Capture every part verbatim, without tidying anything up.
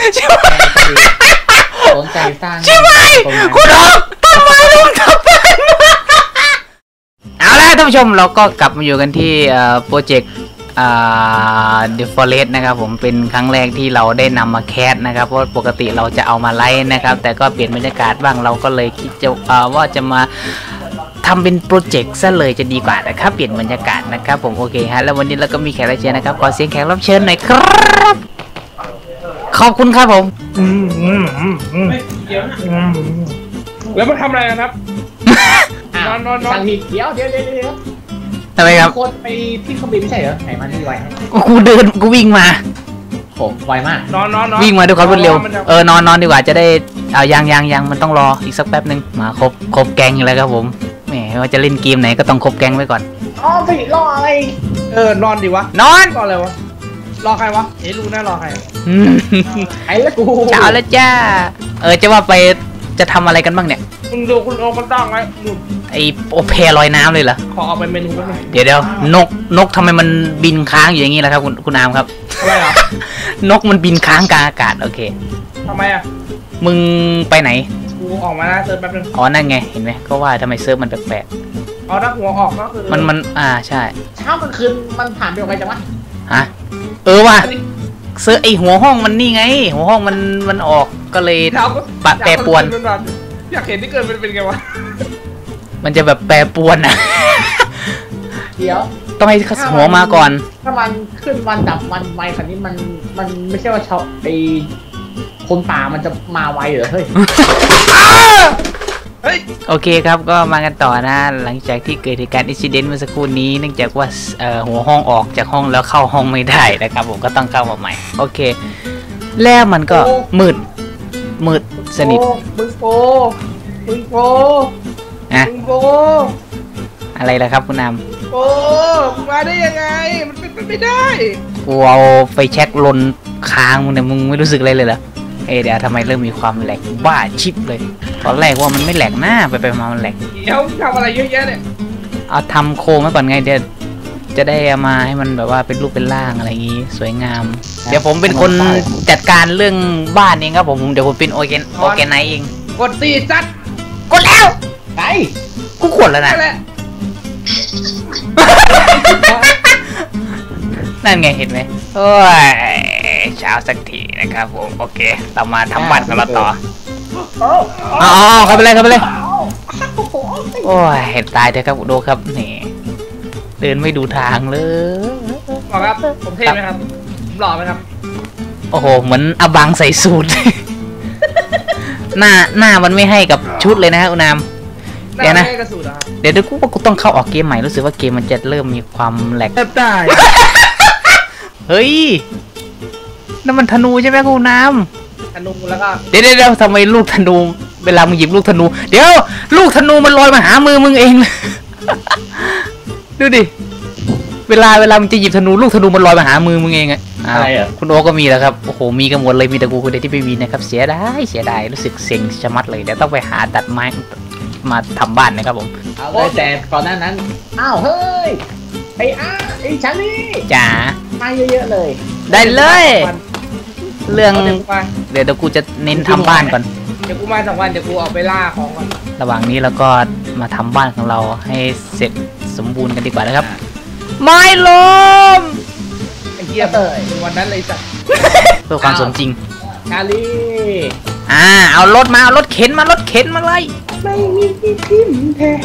สนใจสร้างใช่ไหมคุณออกทำไมลุงทำเป็นเอาละท่านผู้ชมเราก็กลับมาอยู่กันที่โปรเจกต์The Forest นะครับผมเป็นครั้งแรกที่เราได้นำมาแคสนะครับเพราะปกติเราจะเอามาไลฟ์นะครับแต่ก็เปลี่ยนบรรยากาศบ้างเราก็เลยคิดจะว่าจะมาทำเป็นโปรเจกต์ซะเลยจะดีกว่านะครับเปลี่ยนบรรยากาศนะครับผมโอเคฮะแล้ววันนี้เราก็มีแขกรับเชิญนะครับขอเสียงแขกรับเชิญหน่อยครับขอบคุณครับผมแล้วมันทำอะไรกันครับนอนนอนนอนสั่งผิดเดี๋ยวเดี๋ยวเดี๋ยวเดี๋ยวทำไมครับโคตรไปที่เครื่องบินไม่ใช่เหรอไหนมาที่ไวกูเดินกูวิ่งมาโหไวมากนอนนอนวิ่งมาด้วยความรวดเร็วเออนอนนอนดีกว่าจะได้เอายังยังยังมันต้องรออีกสักแป๊บนึงมาครบครบแกงอยู่แล้วครับผมแหมว่าจะเล่นเกมไหนก็ต้องครบแกงไว้ก่อนอ๋อสิรออะไรเออนอนดิวะนอนรออะไรวะรอใครวะเอ๊ะรู้แน่รอใครไอ้ละกูเช้าแล้วจ้าเออจะว่าไปจะทำอะไรกันบ้างเนี่ยคุณดูคุณโอมันตั้งไว้ดูไอโอเพลอยน้ำเลยเหรอขอเอาไปเมนูกันเดี๋ยวเดี๋ยวนกนกทำไมมันบินค้างอยู่อย่างนี้ล่ะครับคุณคุณอามครับทำไมอ่ะนกมันบินค้างกลางอากาศโอเคทำไมอ่ะมึงไปไหนกูออกมานะเซิร์ฟแป๊บนึงอ๋อนั่นไงเห็นไหมก็ว่าทำไมเซิร์ฟมันแปลกๆอ๋อถ้าหัวออกก็คือมันมันอ่าใช่เช้ากลางคืนมันผ่านไปยังไงจังวะฮะเออว่ะเซิร์ฟไอหัวห้องมันนี่ไงหัวห้องมันมันออกก็เลยปะแปรปวนอยากเห็นที่เกิดเป็นเป็นไงวะมันจะแบบแปรปวนอ่ะเดี๋ยวต้องให้หัวมาก่อนถ้ามันขึ้นวันดับวันไวขนาดนี้มันมันไม่ใช่ว่าชาวไอคนป่ามันจะมาไวเหรอเฮ้ยเฮ้ยโอเคครับก็มากันต่อนะหลังจากที่เกิดเหตุการณ์อินซิเดนต์เมื่อสักครู่นี้เนื่องจากว่าหัวห้องออกจากห้องแล้วเข้าห้องไม่ได้นะครับผมก็ต้องเข้ามาใหม่โอเคแล้วมันก็มืดมืดสนิทมึงโปมึงโปอะมึงโปอะไรล่ะครับคุณนำโปมาได้ยังไงมันเป็นไปไม่ได้กูเอาไฟแช็กลนค้างมึงเนี่ยมึงไม่รู้สึกอะไรเลยเหรอเอเดี๋ยวทำไมเริ่มมีความแหลกบ้าชิปเลยตอนแรกว่ามันไม่แหลกหน้าไปไปมามันแหลกเดี๋ยวทำอะไรเยอะแยะเนี่ยเอาทำโครงมาก่อนไงเดี๋ยวจะได้มาให้มันแบบว่าเป็นรูปเป็นร่างอะไรอย่างงี้สวยงามเดี๋ยวผมเป็นคนจัดการเรื่องบ้านเองครับผมเดี๋ยวผมเป็นโอเกนโอเกนไนเองกดตีจัดกดแล้วไปกูกดแล้วนะนั่นไงเห็นไหมโอ้ยเช้าสักทีนะครับผมโอเคเรามาทำบัตรกันมาต่ออ๋อเข้าไปเลยเข้าไปเลยโอ้ยเห็นตายเถอะครับดูครับนี่เดินไม่ดูทางเลยหล่อครับผมเท่ไหมครับหล่อไหมครับโอ้โหเหมือนอบังใส่สูทหน้าหน้ามันไม่ให้กับชุดเลยนะอุณามเดี๋ยวนะเดี๋ยวเดี๋ยวกูว่ากูต้องเข้าออกเกมใหม่รู้สึกว่าเกมมันจะเริ่มมีความแหลกได้เฮ้ยนั่นมันธนูใช่ไหมคุณน้ำธนูแล้วก็เดี๋ยวเดี๋ยวทำไมลูกธนูเวลามึงหยิบลูกธนูเดี๋ยวลูกธนูมันลอยมาหามือมึงเองดูดิเวลาเวลามึงจะหยิบธนูลูกธนูมันลอยมาหามือมึงเองอะอะไรอ่ะคุณโอก็มีแล้วครับโอ้โหมีกันหมดเลยมีแต่กูคนเดียวที่ไม่มีนะครับเสียดายเสียดายรู้สึกเซ็งชะมัดเลยเดี๋ยวต้องไปหาตัดไม้มาทำบ้านนะครับผมเอาเลยแต่ก่อนหน้านั้นอ้าวเฮ้ยไอ้อ้าไอ้ชันนี่จ๋ามาเยอะๆเลยได้เลยเรื่องเดี๋ยวเดี๋ยวกูจะเน้นทำบ้านก่อนเดี๋ยวกูมาสองวันเดี๋ยวกูออกไปล่าของก่อนระหว่างนี้เราก็มาทำบ้านของเราให้เสร็จสมบูรณ์กันดีกว่านะครับไม้ลมไอ้เหี้ยเตยวันนั้นเลยจ้ะเพื่อความสมจริงชาลีอ่าเอารถมาเอารถเข็นมารถเข็นมาเลยไม่มีที่ทิมแท้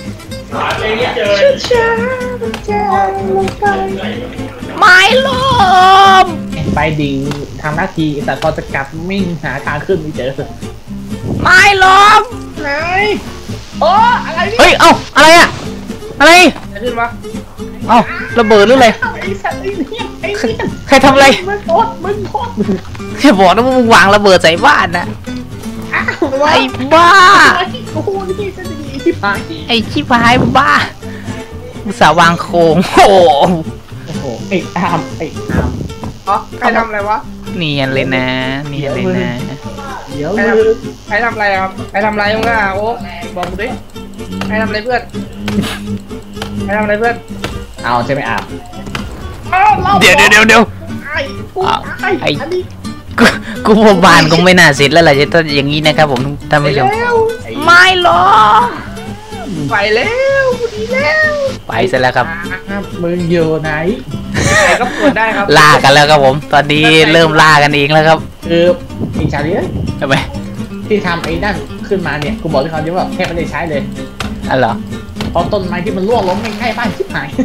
ช้าๆจะลงไปไม้ลมไปดิ่งทำหน้าที่แต่พอจะกลับมิ่งหาทางขึ้นไม่เจอไม้ลมไหนโอ้อะไรนี่เฮ้ยเอ้าอะไรอะอะไรจะขึ้นวะเอ้าระเบิดหรืออะไรใครทำอะไรมึงโคตรมึงโคตรแค่บอกนะว่ามึงวางระเบิดใส่บ้านนะไอ้บ้าโอ้โหนี่จะดีที่พายไอ้ชิบหายบ้าอุตส่าห์วางโครงโอ้โหไอ้อามไอ้อามอ๋อใครทำอะไรวะเนียนเลยนะเนียนเลยนะเดี๋ยวใครทำอะไรครับใครทำอะไรมึงอ่ะโอ้บอกกูดิใครทำอะไรเพื่อนใครทำอะไรเพื่อนเอาใช่ไหมอาบเดี๋ยวเดี๋ยวเดี๋ยวเดี๋ยวไอ้ไอ้กูกูพอบานก็ไม่น่าเสร็จแล้วแหละจะต้องอย่างนี้นะครับผมท่านไปผู้ชมแล้วไม่หรอกไปแล้วดีแล้วไปเสร็จแล้วครับมึงอยู่ไหนใครก็ปวดได้ครับล่ากันแล้วครับผม ตอนนี้เริ่มล่ากันเองแล้วครับคืออีชาลีเอ้ยทำไมที่ทำไอ้นั่นขึ้นมาเนี่ยกูบอกที่เขาเยอะว่าแค่ไม่ได้ใช้เลยอ๋อเหรอเพราะต้นไม้ที่มันร่วงล้มไม่ใช่บ้านชิบหาย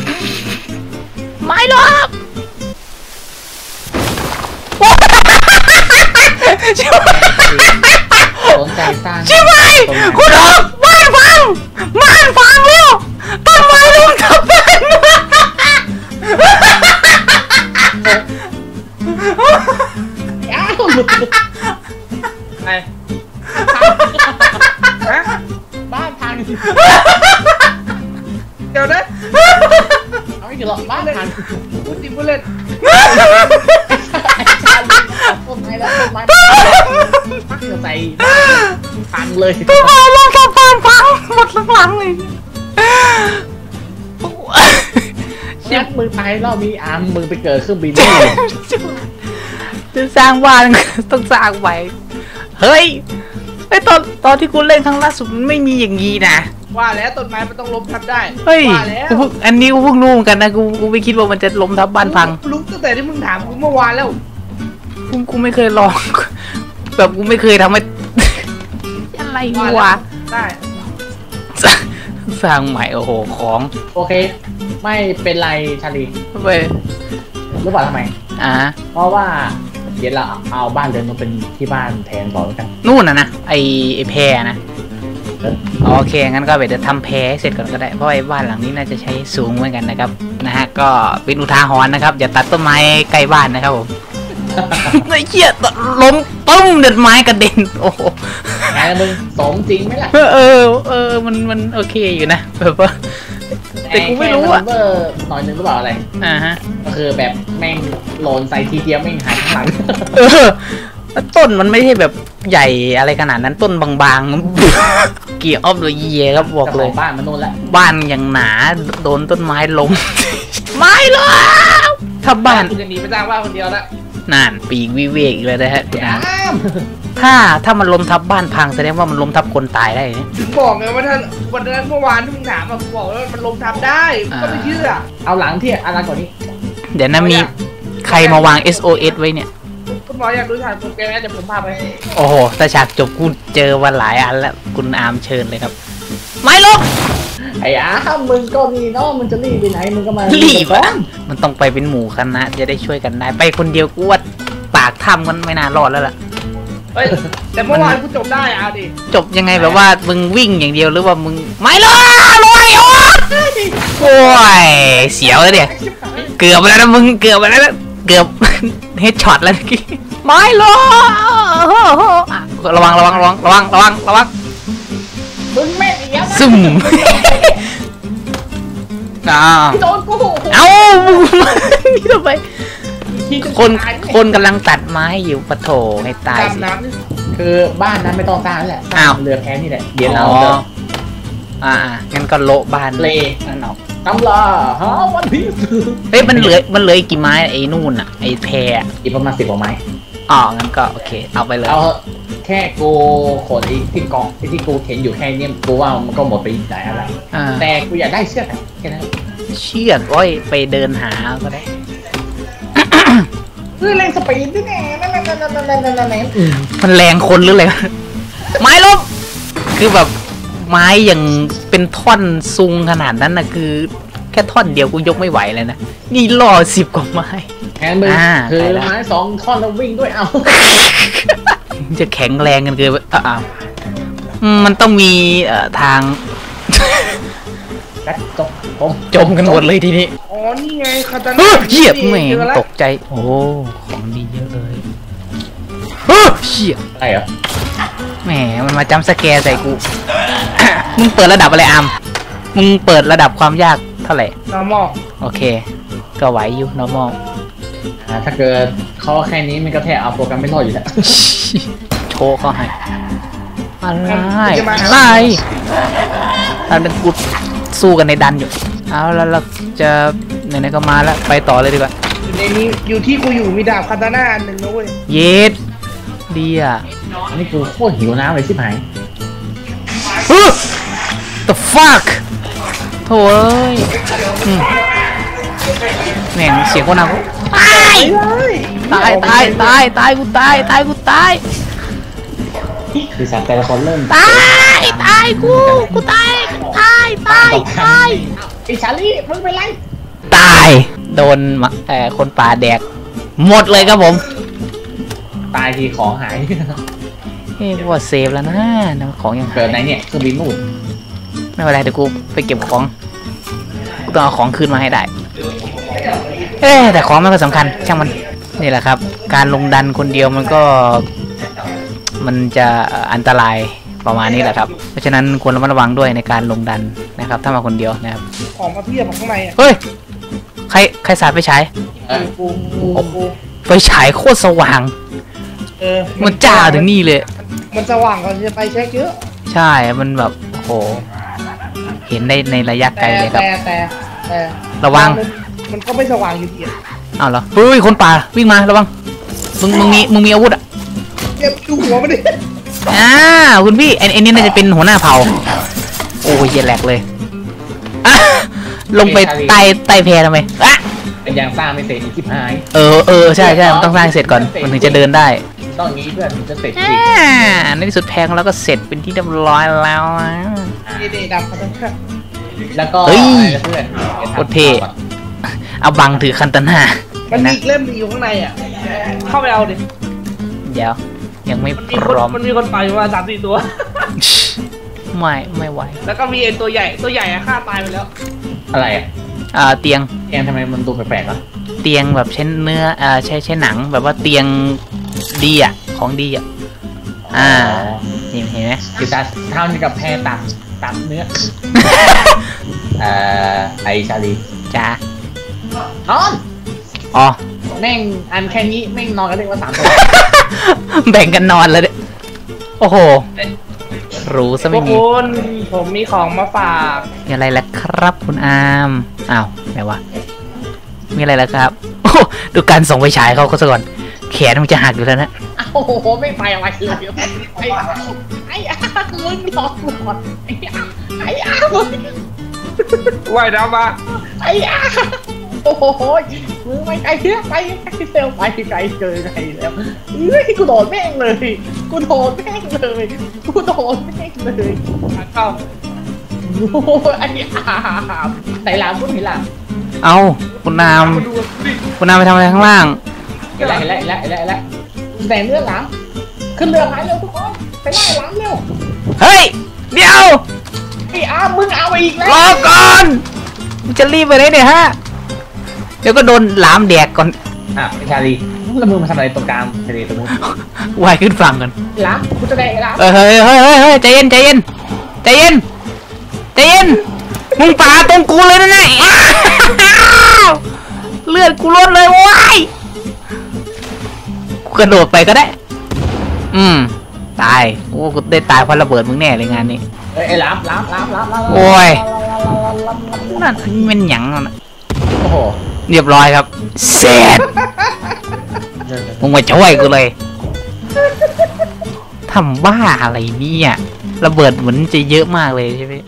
ไม่หรอกชิบหายสนใจสร้างชิบหายคุณออกบ้านฟังบ้านฟังเร็วต้นไม้ลุงทับบ้านอ้าวหลุดไปฮะบ้านพังเดี๋ยวนะเอาไม่ถึงหรอกบ้านพังพูดจริงพูดเล่นไอ้ชาลีต้นไม้แล้วต้นไม้พักใส่พังเลยต้นไม้ลุงทับบ้านฟังหมดหลังเลยยัดมึงไปรอบนี้อาร์มมึงไปเกิดเครื่องบินจะสร้างบ้านต้องสร้างไว้เฮ้ยไอตอนตอนที่กูเล่นครั้งล่าสุดมันไม่มีอย่างงี้นะว่าแล้วต้นไม้มันต้องล้มทับได้เฮ้ยว่าแล้วกูเพิ่งอันนี้กูเพิ่งรู้เหมือนกันนะกูกูไม่คิดว่ามันจะล้มทับบ้านพังรู้ตั้งแต่ที่มึงถามกูเมื่อวานแล้วกูกูไม่เคยลอง แบบกูไม่เคยทำให้ อะไรวะได้สร้างใหม่โอ้โหของโอเค ไม่เป็นไรชาลีไปรู้เปล่าทำไมอ่าเพราะว่าเดี๋ยวเราเอาบ้านเดินมาเป็นที่บ้านแทนบอกแล้วกันนู่นนะนะไอไอแพรนะโอเคงั้นก็เดี๋ยวทำแพรให้เสร็จก่อนก็ได้เพราะไอ้บ้านหลังนี้น่าจะใช้สูงเหมือนกันนะครับนะฮะก็เป็นอุทาหรณ์นะครับอย่าตัดต้นไม้ใกล้บ้านนะครับผม ไอ้เหี้ยล้มปุ้มเด็ดไม้กระเด็นโอ้โหไงมึงสมจริงไหมล่ะเออเออเออมันมันโอเคอยู่นะแบบว่าแต่กูไม่รู้อะแค่มันเวอร์หน่อยนึงรู้เปล่าอะไรอ่าฮะก็คือแบบแม่งโหลนใส่ทีเดียวแม่งหายข้างหลังเออแล้วต้นมันไม่ใช่แบบใหญ่อะไรขนาดนั้นต้นบางๆ เกี่ยวออฟเลยเยครับบอกเลยจ้าของบ้านมันนู่นแหละบ้านอย่างหนาโดนต้นไม้ล้ม ไม่หรอกถ้าบ้านกูจะหนีไปสร้างบ้านคนเดียวละนั่นปีกวิเวกอีกเลยนะฮะอ้ามถ้าถ้ามันล้มทับบ้านพังแสดงว่ามันล้มทับคนตายได้เนี่ยถึงบอกไงว่าถ้าวันนั้นเมื่อวานที่มึงถามอะกูบอกว่ามันล้มทับได้มึงก็ไม่เชื่อเอาหลังที่อะไรกว่านี้เดี๋ยวนะมีใครมาวาง เอส โอ เอส ไว้เนี่ยคุณหมออยากดูฉากโปรแกรมนะเดี๋ยวผมพาไปโอ้โหแต่ฉากจบกูเจอวันหลายอันแล้วคุณอาร์มเชิญเลยครับ ไม่ลบไอ้อ้ามมึงก็มีเนาะมึงจะรีบไปไหนมึงก็มารีรีบอะมันต้องไปเป็นหมู่คณะจะได้ช่วยกันได้ ไปคนเดียวกูว่าปากถ้ำมันไม่น่ารอดแล้วล่ะเฮ้ยแต่เมื่อวานกูจบได้เอาดิจบยังไงแบบว่ามึงวิ่งอย่างเดียวหรือว่ามึงไม่ลบลอยโอ้โอ้ยเสียวเลยเนี่ยเกือบไปแล้วนะมึงเกือบไปแล้วนะเกือบ เฮดช็อตแล้วเมื่อกี้ไม่ลบอ่ะระวังระวังระวังระวังระวังระวังมึงแม่งเอี้ยซึมอ้าวโดนกูเอ้ามึงนี่ทำไมคนคนกำลังตัดไม้อยู่ปะโถให้ตายสิดำน้ำนี่คือบ้านนั้นไม่ต้องสร้างแล้วแหละสร้าอ้าวงเรือแพนี่แหละเดี๋ยวเราอ๋อจะอ่างั้นก็โละบ้านเลนั่นออกตำลาฮะวันพีซเฮ้ยมันเหลือมันเหลืออีกกี่ไม้ไอ้นู่นอ่ะไอ้แพรอะอีกประมาณสิบกว่าไม้อ๋องั้นก็โอเคเอาไปเลยเอาเถอะแค่กูขนไอ้ที่กองไอ้ที่กูเห็นอยู่แค่เนี้ยกูว่ามันก็หมดไปอีกหลายอะไรอ่าแต่กูอยากได้เชือกอะแค่นั้นเชือกโอ้ยไปเดินหาก็ได้เฮ้ยเร่งสปีดด้วยแน่นั่นนั่นนั่นนั่นนั่นนั่นนั่นอืมมันแรงคนหรืออะไรวะไม้ลบคือแบบไม้อย่างเป็นท่อนซุงขนาดนั้นนะคือแค่ท่อนเดียวกูยกไม่ไหวเลยนะนี่ล่อสิบกว่าไม้แอนมึงอ่าคือไปละไม้สองท่อนแล้ววิ่งด้วยเอาจะแข็งแรงกันเกินไปอ่ะอ้าวอืมมันต้องมีเอ่อทางกัดจบผมจมกันหมดเลยทีนี้อ๋อนี่ไงคาตาเฮ้น่ายเหยียบแหม่เจอแล้วตกใจโอ้ของดีเยอะเลยเฮ้ยเชี่ยอะไรเหรอแหมมันมาจำสแกร์ใส่กู มึงเปิดระดับอะไรอามมึงเปิดระดับความยากเท่าไหร่ normal โอเค ก็ไหวอยู่ normal อ่าถ้าเกิดเขาแค่นี้มันก็แทบเอาโปรแกรมไม่รอดอยู่แล้วโชว์เขาให้อะไรจะมาหาอะไรอันเป็นกูสู้กันในดันอยู่ เอาแล้วเราจะไหนๆก็มาแล้วไปต่อเลยดีกว่าอยู่ในในนี้อยู่ที่กูอยู่มีดาบคาตาน่าอันหนึ่งนะเว้ยเย็ดดีอ่ะอันนี้กูโคตรหิวน้ำเลยชิบหาย the fuck โถ่เอ้ยอืมแม่งเสียงคนน่ากลัวตายตายตายตายตายกูตายตายกูตายคือสัตว์แต่ละคนเริ่มตายตายกูกูตายตายตายตายไอ้ชาลีมึงเป็นไรตายโดนเอ่อคนป่าแดกหมดเลยครับผมตายทีของหายเฮ้ยว่าเซฟแล้วนะนะของยังหาเกิดยไหนเนี่ยเครื่องบินนู่นไม่เป็นไรเดี๋ยวกูไปเก็บของกูต้องเอาของคืนมาให้ได้เอ๊แต่ของมันก็สำคัญช่างมันนี่แหละครับ การลงดันคนเดียวมันก็ มันจะอันตรายประมาณนี้แหละครับเพราะฉะนั้นควรระมัดระวังด้วยในการลงดันนะครับ ถ้ามาคนเดียวนะครับของมาเพียบข้างในอ่ะเฮ้ยใครใครสาดไฟฉายเออกูกูกูไฟฉายโคตรสว่างเออมันจ้าถึงนี่เลยมันสว่างกว่าจะไปเช็คเยอะใช่มันแบบโอ้โหเห็นได้ในระยะไกลแต่เลยครับแต่แต่แต่ระวังมันมันก็ไม่สว่างอยู่ดีอะอ้าวเหรอเฮ้ยคนป่าวิ่งมาระวังมึงมึงมีมึงมีอาวุธอ่ะเก็บดูหัวมันดิอ่าคุณพี่ไอ้ไอ้นี่น่าจะเป็นหัวหน้าเผ่าโอ้ยเหี้ยแหลกเลยอ่ะลงไปใต้ใต้แพทำไมอ่ะเป็นยางสร้างไม่เสร็จอีกชิบหายเออเออใช่ใช่มันต้องสร้างเสร็จก่อนมันถึงจะเดินได้ต้องอย่างนี้เพื่อนถึงจะเสร็จจอ่ริงาในที่สุดแพงแล้วก็เสร็จเป็นที่เรียบร้อยแล้วนะนี่นี่ดาบคาตาน่าแล้วก็เฮ้ยอะไรนะเพื่อนโคตรเท่เอาบังถือคันตนามันมีนะอีกเล่มหนึงอยู่ข้างในอ่ะเข้าไปเอาดิเดี๋ยวยังไม่มันพมีคนร้อมมันมีคนตายอยู่ประมาณสามสี่ตัวไม่ไม่ไหวแล้วก็มีไอ้ตัวใหญ่ตัวใหญ่อะฆ่าตายไปแล้วอะไรอ่ะอ่าเตียงแอนทำไมมันดูแปลกๆอ่ะเตียงแบบใช้เนื้ออ่าใช้ใช้หนังแบบว่าเตียงดีอ่ะของดีอ่ะอ่านี่เห็นไหมคือจะทำกับแพรตัดตัดเนื้อ เอ่อไอชาลีจ้านอนอ๋อแม่งอันแค่นี้แม่งนอนกันเรียกว่าสามตัวแบ่งกันนอนเลยเนี่ยโอ้โหรู้ซะพวไม่กมีคุณผมมีของมาฝากมีอะไรล่ะครับคุณอามอ้าวไหนวะมีอะไรล่ะครับโอ้ดูการส่งไปฉายเขาก็ซะก่อนแขนมันจะหักอยู่แล้วนะโอ้โหไม่ไปอะไรเลยไอ้ไอ้อามึงรอก่อนไอ้อาไอ้อามึงว่ายน้ำมาไอ้อาโอ้โหมึงไปไกลเยอะไปไกลเซลไปไกลเกินไกลแล้วเฮ้ยกูโดนแม่งเลยกูโดนแม่งเลยกูโดนแม่งเลยเข้าโอ้ไอ้อาไหนหลามพูดเห็นหลามเอาคุณอามคุณอามไปทำอะไรข้างล่างเห็นแล้วเห็นแล้วเห็นแล้วเห็นแล้วเห็นแล้วแต่เนื้อหลามขึ้นเรือหายเร็วทุกคนไปไล่หลามเร็วเฮ้ยเดี๋ยวไอ้อามึงเอาอีกแล้วรอก่อนมึงจะรีบไปไหนเนี่ยฮะเดี๋ยวก็โดนหลามแดกก่อนอ่ะไอ้ชาลีแล้วมึงมาทำอะไรตรงกลางทะเลตรงนู้นว่ายขึ้นฝั่งกันหลามกูจะได้หลามเฮ้ยเฮ้ยเฮ้ยเฮ้ยเฮ้ยใจเย็นใจเย็นใจเย็นใจเย็นมึงป่าตรงกูเลยนะเนี่ยอ้าวเลือดกูลดเลยว้ายกูกระโดดไปก็ได้ อืมตายโอ้กูได้ตายเพราะระเบิดมึงแน่เลยงานนี้เอ้ยไอ้หลามหลามหลามหลามหลามโอ้ย นั่นมันหยังนั่นน่ะโอ้โหเรียบร้อยครับเสร็จมึงมาช่วยกูเลยทำบ้าอะไรเนี่ยระเบิดเหมือนจะเยอะมากเลยใช่ไหม